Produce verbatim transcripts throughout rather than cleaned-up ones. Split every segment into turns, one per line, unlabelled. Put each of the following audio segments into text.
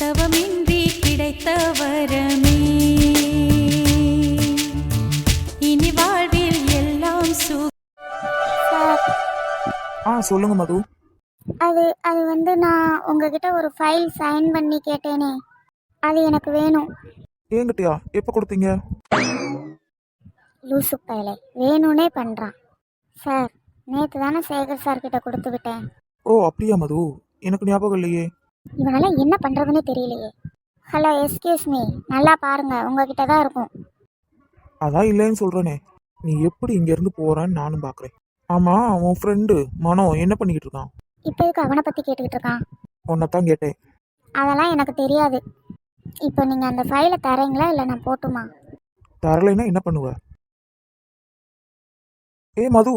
தவமின்றி கிடைத்த வரமே இனி வாழ்வில் எல்லாம் சு
சார்,
ஆ சொல்லுங்க மது.
அது அது வந்து நான் உங்ககிட்ட ஒரு ஃபைல் சைன் பண்ணி கேட்டேனே, அது எனக்கு வேணும்.
ஏங்கிட்டியா எப்போ கொடுத்தீங்க?
லூசு பயலே, வேணும்னே பண்ணுறான். சார், நேற்று தானே சேகர் சார் கிட்ட கொடுத்து விட்டேன்.
ஓ அப்படியா மது, எனக்கு ஞாபகம் இல்லையே.
இவனால என்ன பண்ணுறதுன்னே தெரியலையே. ஹலோ, எஸ்கியூஸ் மீ, நல்லா பாருங்க, உங்ககிட்ட தான் இருக்கும்.
அதான் இல்லைன்னு சொல்கிறேனே. நீ எப்படி இங்கேருந்து போகிறேன்னு நானும் பார்க்குறேன். ஆமாம், உன் ஃப்ரெண்டு மனோ என்ன பண்ணிக்கிட்டு இருக்கான்?
இப்போ இதுக்கு அவனை பற்றி கேட்டுக்கிட்டு இருக்கான்.
உன்னைத்தான் கேட்டேன்.
அதெல்லாம் எனக்கு தெரியாது. இப்போ நீங்கள் அந்த ஃபைலை தரீங்களா இல்லை நான் போட்டுமா?
தரலைன்னா என்ன பண்ணுவ? ஏ மது,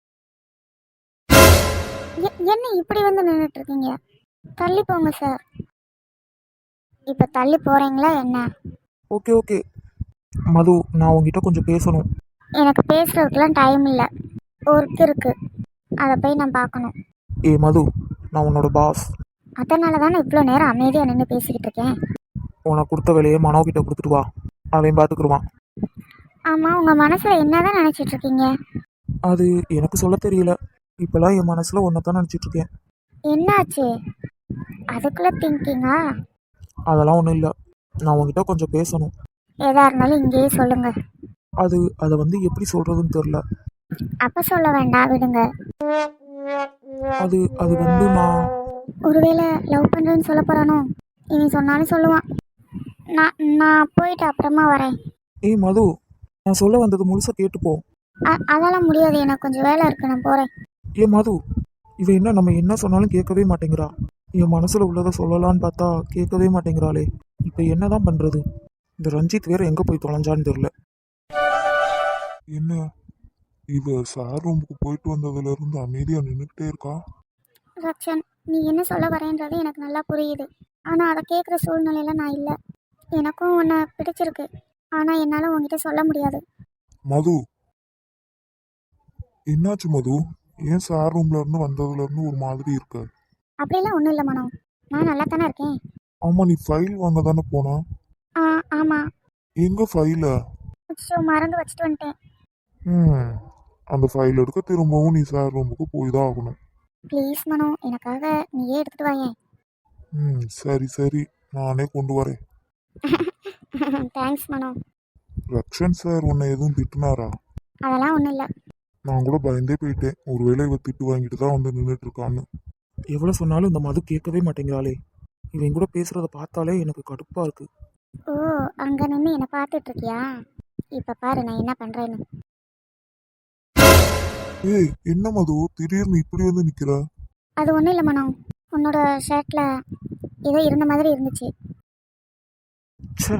எ- என்ன இப்படி வந்து நின்றுட்டு இருக்கீங்க? தள்ளி போங்க சார். இப்போ தள்ளி போகிறீங்களா என்ன?
ஓகே ஓகே மது, நான் உங்ககிட்ட கொஞ்சம் பேசணும்.
எனக்கு பேசுறதுக்குலாம் டைம் இல்லை, ஒர்க் இருக்கு, அதை போய் நான் பார்க்கணும்.
ஏ மது, நான் உன்னோட பாஸ்.
அதனால தானே இவ்வளோ நேரம் அமைதியாக நின்று பேசிக்கிட்டு இருக்கேன்.
உனக்கு கொடுத்த வேலையை மனோ கிட்ட கொடுத்துட்டு வா, அவன் பார்த்துக்குருவான்.
ஆமாம், உங்கள் மனசில் என்ன தான் நினச்சிட்டு இருக்கீங்க?
அது எனக்கு சொல்ல தெரியல. இப்போலாம் என் மனசில் ஒன்றை தான் நினச்சிட்டு இருக்கேன்.
என்னாச்சு? அதுக்குள்ளே திங்கிங்கா?
அதெல்லாம் ஒன்றும் இல்லை, நான் உங்ககிட்ட கொஞ்சம் பேசணும்.
எதா இருந்தாலும் இங்கேயே சொல்லுங்க.
அது அதை வந்து எப்படி சொல்கிறதுன்னு தெரில.
அப்போ சொல்ல வேண்டாம், விடுங்க.
அது அது வந்து நான்
ஒருவேளை லவ் பண்ணுறேன்னு சொல்ல போகிறானோ? இனி சொன்னாலும் சொல்லுவான். நான் நான் போயிட்டு அப்புறமா வரேன்.
ஏய் மது, நான் சொல்ல வந்தது முழுசாக கேட்டுப்போ.
அ அதெல்லாம் முடியாது, எனக்கு கொஞ்சம் வேலை இருக்குது, நான் போகிறேன்.
ஏ மது, இவன் என்ன நம்ம என்ன சொன்னாலும் கேட்கவே மாட்டேங்கிறா. என் மனசில் உள்ளதை சொல்லலான்னு பார்த்தா கேட்கவே மாட்டேங்கிறாளே. இப்போ என்ன தான் பண்ணுறது? இந்த ரஞ்சித் வேற எங்கே போய் தொலைஞ்சான்னு தெரில.
என்ன இவ சார் ரூமுக்கு போயிட்டு வந்ததுல இருந்து அமைதியா நின்றுக்கிட்டே இருக்கா?
ரக்ஷன், நீ என்ன சொல்ல வரேன்றது எனக்கு நல்லா புரியுது. ஆனால் அதை கேட்குற சூழ்நிலையில் நான் இல்லை. எனக்கும் உன்னை பிடிச்சிருக்கு, ஆனால் என்னால் உன்கிட்ட சொல்ல முடியாது.
மது, என்னாச்சு மது? ஏன் சார் ரூம்ல இருந்து வந்ததுல இருந்து ஒரு மாதிரி இருக்க?
அப்படிலாம் ஒன்றும் இல்லை மனோ, நான் நல்லா தானே இருக்கேன்.
ஆமா, நீ ஃபைல் வாங்க தானே போனா?
ஆ ஆமாம்.
எங்க ஃபைல?
ஸோ மறந்து வச்சுட்டு வந்துட்டேன்.
ம் அந்த ஃபைல் எடுக்க திரும்பவும் நீ சார் ரூமுக்கு போய் தான் ஆகணும்.
ப்ளீஸ் மனோ, எனக்காக நீயே எடுத்துகிட்டு வாயேன்.
ம் சரி சரி, நானே கொண்டு வரேன்.
தேங்க்ஸ் மனோ.
ரக்ஷன் சார் உன்னை எதுவும் திட்டுனாரா?
அதெல்லாம் ஒன்றும் இல்லை.
நான் கூட பயந்தே போயிட்டேன், ஒருவேளை இவ திட்டு வாங்கிட்டு தான் வந்து நின்றுட்டு இருக்கான்னு.
எவ்வளோ சொன்னாலும் இந்த மது கேட்கவே மாட்டேங்கிறாளே. இவன் கூட பேசுகிறத பார்த்தாலே எனக்கு கடுப்பாக இருக்குது.
ஓ, அங்கே நின்று என்னை பார்த்துட்டு இருக்கியா? இப்போ பாரு நான் என்ன பண்ணுறேன்னு.
ஏய் என்ன மது, திடீர்னு இப்படி வந்து நிக்கிற?
அது ஒன்றும் இல்லை மனோ, உன்னோட ஷர்ட்டில் ஏதோ இருந்த மாதிரி இருந்துச்சு.
ச்சே,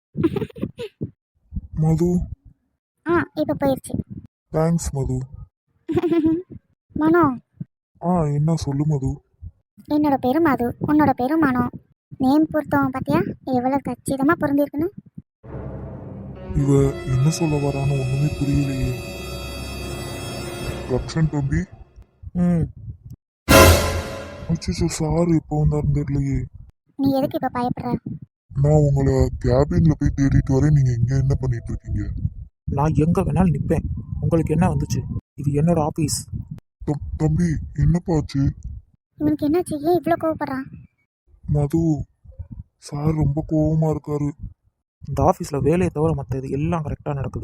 மது,
ஆ இப்போ போயிடுச்சு.
தேங்க்ஸ் மது.
மனோ,
ஆ என்ன சொல்லு மது.
என்னோட பேரு மது, உன்னோட பேரு மனோ. நேம் பொருத்தம் பார்த்தியா எவ்வளோ கச்சிதமாக பொருந்திருக்குன்னு?
இவ என்ன சொல்ல வரான்னு ஒண்ணுமே புரியலையே. ரக்ஷன் தம்பி,
ம்
அச்சோ சார் எப்போ வந்தாருன்னு தெரியலையே.
நீ எதுக்கு இப்போ பயப்படுற?
நான் உங்களை கேபின்ல போய் தேடிட்டு வரேன், நீங்க இங்க என்ன பண்ணிட்டு இருக்கீங்க?
நான் எங்கே வேணாலும் நிற்பேன். உங்களுக்கு என்ன வந்துச்சு? இது என்னோட ஆஃபீஸ்.
தம்- தம்பி என்னப்பா ஆச்சு?
இவனுக்கு என்னாச்சு? ஏன் இவ்வளோ கோவப்படுறான்?
மது, சார் ரொம்ப கோவமா இருக்காரு.
இந்த ஆஃபீஸில் வேலையை தவிர மற்ற இது எல்லாம் கரெக்டாக நடக்குது.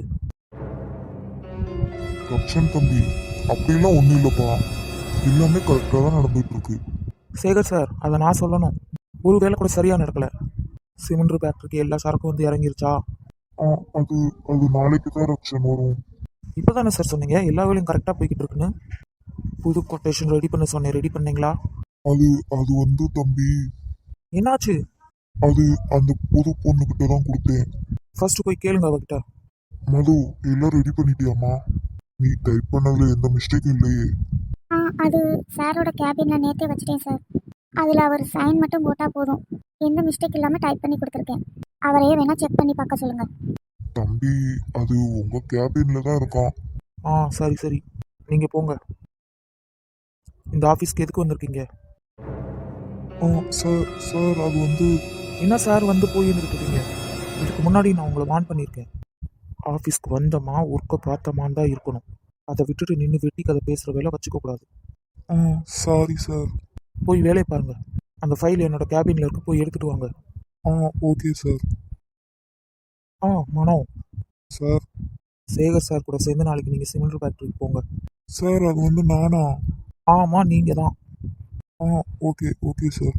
ரக்ஷன் தம்பி, அப்படிலாம் ஒண்ணும் இல்லப்பா, எல்லாமே கரெக்டா தான் நடந்துட்டு இருக்கு.
சேகர் சார், அதை நான் சொல்லணும். ஒரு வேலை கூட சரியாக நடக்கலை. சிமெண்ட் ஃபேக்ட்ரிக்கு எல்லா சரக்கும் வந்து இறங்கிருச்சா?
ஆ அது அது நாளைக்கு தான் ரக்ஷன் வரும்.
இப்போ தானே சார் சொன்னீங்க எல்லா வேலையும் கரெக்டாக போய்கிட்டு இருக்குன்னு. புது கொட்டேஷன் ரெடி பண்ண சொன்னேன், ரெடி பண்ணீங்களா?
அது அது வந்து தம்பி,
என்னாச்சு?
அது அந்த புது பொண்ணுகிட்ட தான் கொடுத்தேன்.
ஃபர்ஸ்ட் போய் கேளுங்க அவகிட்ட.
மது, எல்லாம் ரெடி பண்ணிட்டியாமா? நீ டைப் பண்ணதுல எந்த மிஸ்டேக்கும் இல்லையே?
ஆ அது சாரோட கேபினில் நேற்றே வச்சுட்டேன் சார். அதில் அவர் சைன் மட்டும் போட்டால் போதும். எந்த மிஸ்டேக் இல்லாமல் டைப் பண்ணி கொடுத்துருக்கேன். அவரையே வேணால் செக் பண்ணி பார்க்க சொல்லுங்கள்.
தம்பி, அது உங்க கேபின்ல தான் இருக்கான்.
ஆ சரி சரி, நீங்கள் போங்க. இந்த ஆஃபீஸ்க்கு எதுக்கு வந்திருக்கீங்க?
ஆ சார் சார் அது வந்து
என்ன சார் வந்து போய் இருக்கீங்க? இதுக்கு முன்னாடி நான் உங்களை வார்ன் பண்ணியிருக்கேன். ஆஃபீஸ்க்கு வந்தோமா ஒர்க்கை பார்த்தோமான்னு தான் இருக்கணும். அதை விட்டுட்டு நின்று வெட்டி கதை பேசுகிற வேலை வச்சுக்க கூடாது.
ஆ சாரி சார்.
போய் வேலையை பாருங்க. அந்த ஃபைல் என்னோட கேபினில் இருக்கு, போய் எடுத்துட்டு வாங்க.
ஆ ஓகே சார்.
ஆ மனோ,
சார்
சேகர் சார் கூட சேர்ந்து நாளைக்கு நீங்கள் சிமெண்ட் ஃபேக்ட்ரிக்கு போங்க.
சார் அது வந்து நானா?
ஆமாம், நீங்கள் தான்.
ஆ ஓகே ஓகே சார்.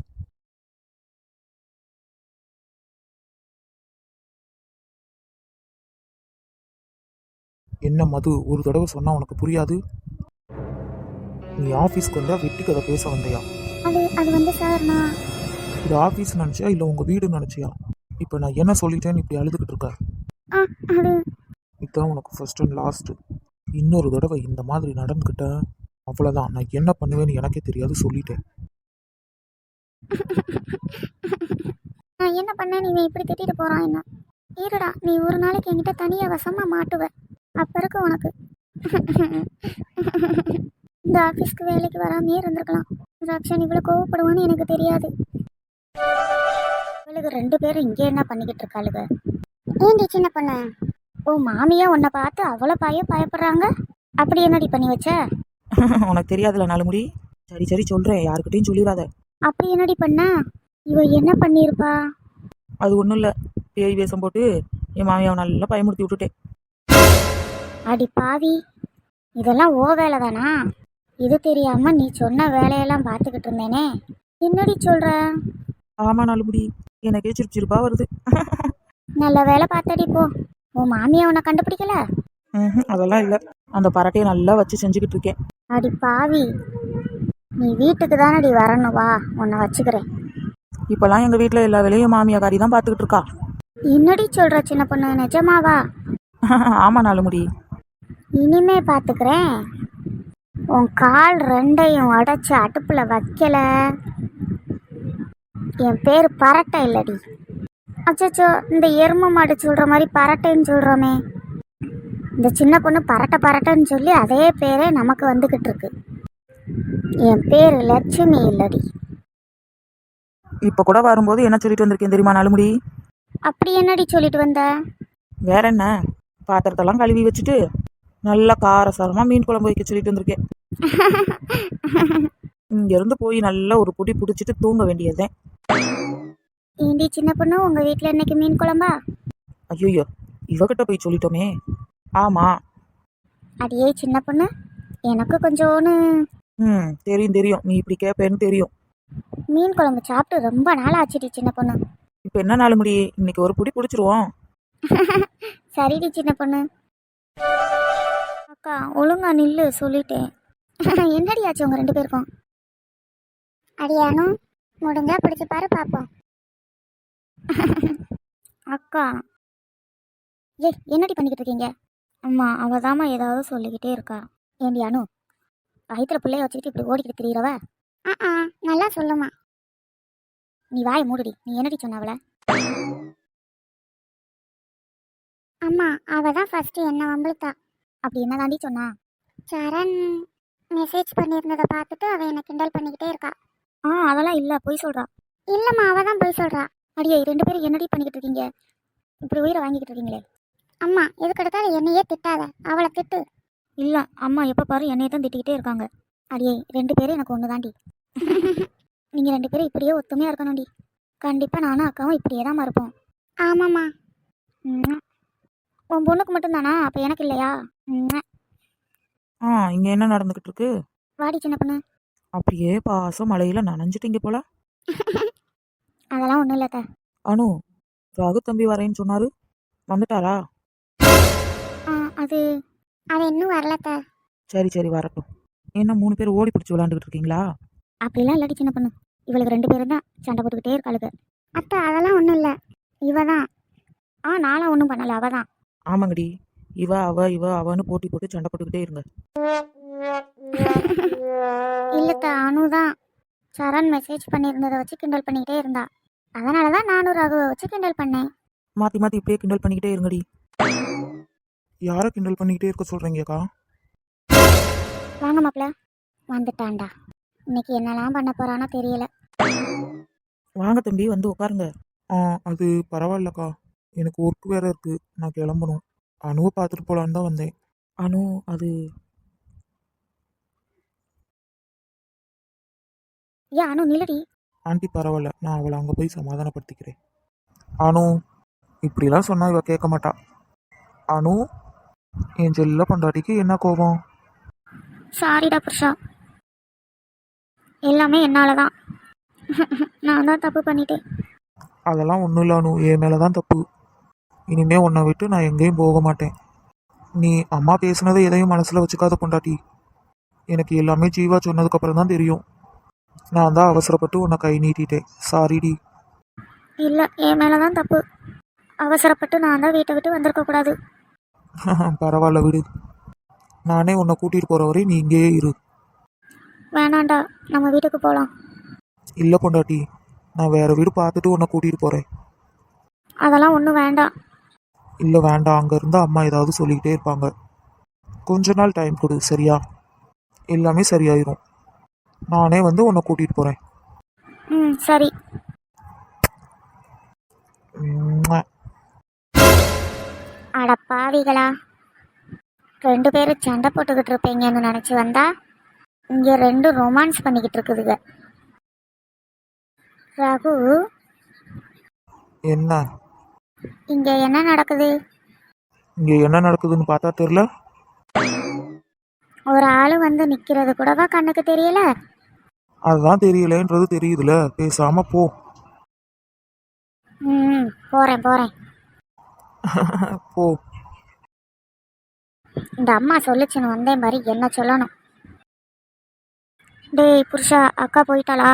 என்ன மது, ஒரு தடவை சொன்னால் உனக்கு புரியாது? நீ ஆஃபீஸ்க்கு வந்தால் வெட்டி கதை பேச வந்தையா?
அது அது வந்து சார் நான்
இது ஆஃபீஸ் நினச்சியா இல்லை உங்கள் வீடுன்னு நினச்சியா? இப்போ நான் என்ன சொல்லிட்டேன்னு இப்படி அழுதுகிட்டு இருக்க?
ஆ அது
இதுதான் உனக்கு ஃபர்ஸ்ட் அண்ட் லாஸ்ட்டு. இன்னொரு தடவை இந்த மாதிரி நடந்துக்கிட்டேன், அவ்வளோதான். நான் என்ன பண்ணுவேன்னு எனக்கே தெரியாது, சொல்லிட்டேன்.
நான் என்ன பண்ணேன், நீ இப்படி திட்டிட்டு போகிறான் என்ன? இருடா, நீ ஒரு நாளைக்கு என்கிட்ட தனியாக வசமாக மாட்டுவ. அப்போ இருக்கு உனக்கு. இந்த ஆஃபீஸ்க்கு வேலைக்கு வராமையே இருந்திருக்கலாம். ரக்ஷன் இவ்வளோ கோவப்படுவான்னு எனக்கு தெரியாது. இவளுக்கு ரெண்டு பேரும் இங்கே என்ன பண்ணிக்கிட்டு இருக்காளுங்க? ஏண்டி சின்ன பொண்ணு, ஓ மாமியா உன்னை பார்த்து அவ்வளோ பய பயப்படுறாங்க? அப்படி என்னடி பண்ணி வச்ச?
உனக்கு தெரியாதுல நாலு முடி. சரி சரி சொல்கிறேன், யாருக்கிட்டையும் சொல்லிடாத.
அப்படி என்னடி பண்ண? இவ என்ன பண்ணியிருப்பா?
அது ஒன்றும் இல்லை, பேய் வேஷம் போட்டு என் மாமியாவை நல்லா பயமுறுத்தி விட்டுட்டேன்.
அடி பாவி, இதெல்லாம் ஓ வேலை தானா? இது தெரியாம நீ சொன்ன வேலையெல்லாம் பார்த்துக்கிட்டு இருந்தேனே. என்னடி சொல்ற?
ஆமாம் நாலு முடி, எனக்கே சிரிப்பு சிரிப்பா வருது.
நல்ல வேலை பார்த்தடி போ. உன் மாமியா உன்னை கண்டுபிடிக்கல?
ம் அதெல்லாம் இல்லை, அந்த பரட்டையை நல்லா வச்சு செஞ்சுக்கிட்டு இருக்கேன்.
அடி பாவி, நீ வீட்டுக்கு தானடி வரணும், வா உன்னை வச்சுக்கிறேன்.
இப்போல்லாம் எங்கள் வீட்டில் எல்லா வேலையும் மாமியாக்காரி தான் பார்த்துக்கிட்டு இருக்கா.
என்னடி சொல்ற சின்ன பொண்ணு, நிஜமாவா?
ஆமாம் நாலு முடி.
இனிமே பார்த்துக்கிறேன். உன் கால் ரெண்டையும் உடச்சி அடுப்பில் வைக்கல, என் பேர் பரட்டை இல்லடி. அச்சச்சோ, இந்த எரும மாடு சொல்கிற மாதிரி பரட்டைன்னு சொல்கிறோமே. இந்த சின்ன பொண்ணு பரட்டை பரட்டைன்னு சொல்லி அதே பேரே நமக்கு வந்துக்கிட்டு இருக்கு. என் பேர் லட்சுமி இல்லடி.
இப்போ கூட வரும்போது என்ன சொல்லிட்டு வந்திருக்கேன் தெரியுமா நாலு முடி?
அப்படி என்னடி சொல்லிட்டு வந்த?
வேற என்ன, பாத்திரத்தெல்லாம் கழுவி வச்சுட்டு நல்லா காரசாரமாக மீன் குழம்பு வைக்க சொல்லிட்டு வந்திருக்கேன். இங்கேருந்து போய் நல்லா ஒரு பொடி பிடிச்சிட்டு தூங்க வேண்டியதுதான்.
ஏண்டி சின்ன பொண்ணு, உங்கள் வீட்டில் இன்னைக்கு மீன் குழம்பா?
ஐயோ, இவகிட்ட போய் சொல்லிட்டோமே. ஆமாம்.
அடியே சின்ன பொண்ணு, எனக்கு கொஞ்சோன்னு
ம் தெரியும் தெரியும், நீ இப்படி கேட்பேன்னு தெரியும்.
மீன் குழம்பு சாப்பிட்டு ரொம்ப நாள் ஆச்சுடி சின்ன பொண்ணு.
இப்போ என்ன நாலு முடி, இன்னைக்கு ஒரு பொடி பிடிச்சிருவோம்.
சரிடி சின்ன பொண்ணு. அக்கா ஒழுங்கா நில்லு, சொல்லிட்டேன். என்னடி ஆச்சு உங்க ரெண்டு பேருக்கும்? அடியானும் முடிஞ்சா பிடிச்சி பாரு பாப்போம். அக்கா ஏ என்னடி பண்ணிக்கிட்டு இருக்கீங்க? அம்மா அவதாம்மா ஏதாவது சொல்லிக்கிட்டே இருக்கா. ஏண்டி அனு, வயிற்றுல பிள்ளைய வச்சுக்கிட்டு இப்படி ஓடிக்கிட்டு திரியிறவ? ஆ நல்லா சொல்லுமா. நீ வாயை மூடுடி. நீ என்னடி சொன்ன அவளை? அம்மா அவ தான் ஃபர்ஸ்ட் என்ன வம்பிழுத்தா. அப்படி என்ன தாண்டி சொன்னா? சரண் மெசேஜ் பண்ணியிருந்ததை பார்த்துட்டு அவ என்ன கிண்டல் பண்ணிக்கிட்டே இருக்கா. ஆ அதெல்லாம் இல்லை, போய் சொல்றா. இல்லைம்மா, அவ தான் போய் சொல்றா. அடியே ரெண்டு பேரும் என்னடி பண்ணிக்கிட்டு இருக்கீங்க? இப்படி உயிரை வாங்கிக்கிட்டு இருக்கீங்களே. அம்மா எதுக்கு எடுத்தாலும் என்னையே திட்டாத, அவளை திட்டு. இல்லை அம்மா, எப்போ பாரு என்னையே தான் திட்டிக்கிட்டே இருக்காங்க. அடியே ரெண்டு பேரும் எனக்கு ஒன்று தாண்டி. நீங்கள் ரெண்டு பேரும் இப்படியே ஒத்துமையாக இருக்கணும்டி. கண்டிப்பாக நானும் அக்காவும் இப்படியே தான் இருப்போம். ஆமாம்மா. ம் உன் பொண்ணுக்கு மட்டும்தானா? அப்போ எனக்கு இல்லையா? ம்
ஆ இங்கே என்ன நடந்துக்கிட்டு இருக்கு?
வாடி சின்ன பொண்ணு.
அப்படியே பாசம் மழையில் நனைஞ்சிட்டீங்க போல.
அதெல்லாம் ஒன்றும் இல்லைத்த.
அனு, ராகு தம்பி வரேன்னு சொன்னாரு, வந்துட்டாரா?
ஆ அது அது இன்னும் வரலத்த.
சரி சரி வரட்டும். என்ன மூணு பேர் ஓடி பிடிச்சி விளாண்டுக்கிட்டு இருக்கீங்களா?
அப்படிலாம் இல்லாடி சின்ன பொண்ணு, இவளுக்கு ரெண்டு பேரும் தான் சண்டை போட்டுக்கிட்டே இருக்காளுங்க. அத்தை அதெல்லாம் ஒன்றும் இல்லை, இவ தான். ஆ நானும் ஒன்றும் பண்ணலை, அவ தான்.
ஆமாங்கடி, இவ அவ இவ அவன்னு போட்டி போட்டு சண்டை போட்டுக்கிட்டே இருங்க.
இல்லத்த, அனு தான் சரண் மெசேஜ் பண்ணியிருந்ததை வச்சு கிண்டல் பண்ணிக்கிட்டே இருந்தா. அதனால தான் நானும் ரகுவை வச்சு கிண்டல் பண்ணேன்.
மாற்றி மாற்றி இப்படியே கிண்டல் பண்ணிக்கிட்டே இருங்கடி.
யாரை கிண்டல் பண்ணிக்கிட்டே இருக்க சொல்கிறீங்கக்கா?
வாங்க மாப்பிள்ள. வந்துட்டான்டா. இன்னைக்கு என்னெல்லாம் பண்ண போறானோ தெரியல.
வாங்க தம்பி, வந்து உட்காருங்க.
ஆ அது பரவாயில்லக்கா. எனக்கு ஒர்க் வேற இருக்கு. நான் கிளம்பணும். அணுவை பார்த்துட்டு போலான்னு தான் வந்தேன்.
அனு அது
ஏன் அனு நில்லடி.
ஆண்டி பரவாயில்ல. நான் அவளை அங்கே போய் சமாதானப்படுத்திக்கிறேன். அனு இப்படிலாம் சொன்னா இவ கேட்க மாட்டா. அனு என் செல்ல பொண்டாட்டிக்கு என்ன கோபம்?
சாரிடா புருஷா, எல்லாமே என்னால தான். நான் தான் தப்பு பண்ணிட்டேன்.
அதெல்லாம் ஒன்றும் இல்லை அனு. என் மேலே தான் தப்பு. இனிமே உன்னை விட்டு நான் எங்கேயும் போக மாட்டேன். நீ அம்மா பேசுனதை எதையும் மனசில் வச்சுக்காத பொண்டாட்டி. எனக்கு எல்லாமே ஜீவா சொன்னதுக்கப்புறம் தான் தெரியும். நான் தான் அவசரப்பட்டு உன்னை கை நீட்டிட்டேன். சாரிடி.
இல்லை, என் மேலே தான் தப்பு. அவசரப்பட்டு நான் தான் வீட்டை விட்டு வந்திருக்கக்கூடாது.
பரவாயில்ல விடு. நானே உன்னை கூட்டிகிட்டு போகிற வரை நீ இங்கேயே இரு.
வேணாண்டா, நம்ம வீட்டுக்கு போகலாம்.
இல்லை பொண்டாட்டி, நான் வேற வீடு பார்த்துட்டு உன்னை கூட்டிகிட்டு போகிறேன்.
அதெல்லாம் ஒன்றும் வேண்டாம்.
இல்லை வேண்டாம். அங்கே இருந்து அம்மா ஏதாவது சொல்லிக்கிட்டே இருப்பாங்க. கொஞ்ச நாள் டைம் கொடு, சரியா? எல்லாமே சரியாயிரும். நானே வந்து உன்னை கூட்டிகிட்டு போகிறேன்.
ம் சரி. அட பாவிகளா, ரெண்டு பேரும் சண்டை போட்டுக்கிட்டு இருப்பீங்கன்னு நினச்சி வந்தா இங்கே ரெண்டும் ரொமான்ஸ் பண்ணிக்கிட்டு இருக்குதுங்க. ரகு,
என்ன
இங்கே என்ன நடக்குது?
இங்கே என்ன நடக்குதுன்னு பார்த்தா தெரியல.
ஒரு ஆள் வந்து நிற்கிறது கூடவா கண்ணுக்கு தெரியல?
அதுதான் தெரியலன்றது தெரியுதுல. பேசாம போ.
ம் போகிறேன் போகிறேன்.
போ.
இந்த அம்மா சொல்லிச்சுன்னு வந்தேன் மாதிரி என்ன சொல்லணும். டேய் புருஷா, அக்கா போயிட்டாளா?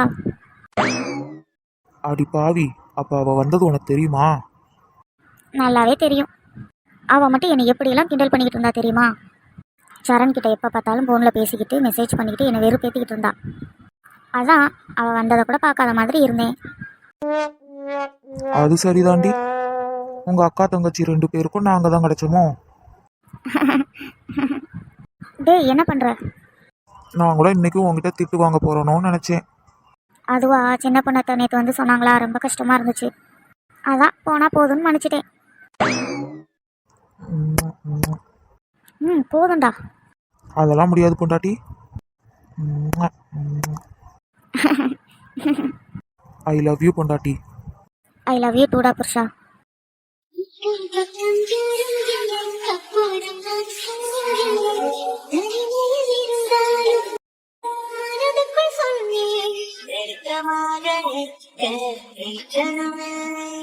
அடி பாவி, அப்ப அவ வந்தது உனக்கு தெரியுமா?
நல்லாவே தெரியும். அவள் மட்டும் என்னை எப்படியெல்லாம் கிண்டல் பண்ணிக்கிட்டு இருந்தா தெரியுமா? சரண் கிட்ட எப்போ பார்த்தாலும் ஃபோனில் பேசிக்கிட்டு மெசேஜ் பண்ணிக்கிட்டு என்னை வெறுப்பேற்றிக்கிட்டு இருந்தா. அதான் அவள் வந்ததை கூட பார்க்காத மாதிரி இருந்தேன்.
அது சரிதாண்டி. உங்க அக்கா தங்கச்சி ரெண்டு பேருக்கும் நாங்க தான் கிடைச்சோமோ?
டேய் என்ன பண்ணுற?
நான் கூட இன்னைக்கும் உங்ககிட்ட திட்டு வாங்க போறோன்னு நினைச்சேன்.
அதுவா, சின்ன பொண்ணத்தை நேற்று வந்து சொன்னாங்களா, ரொம்ப கஷ்டமாக இருந்துச்சு. அதான் போனால் போதும்னு நினச்சிட்டேன். ம் போதும்டா.
அதெல்லாம் முடியாது பொண்டாட்டி. ஐ லவ் யூ பொண்டாட்டி.
ஐ லவ் யூ டூடா புருஷா.
சொன்னேன்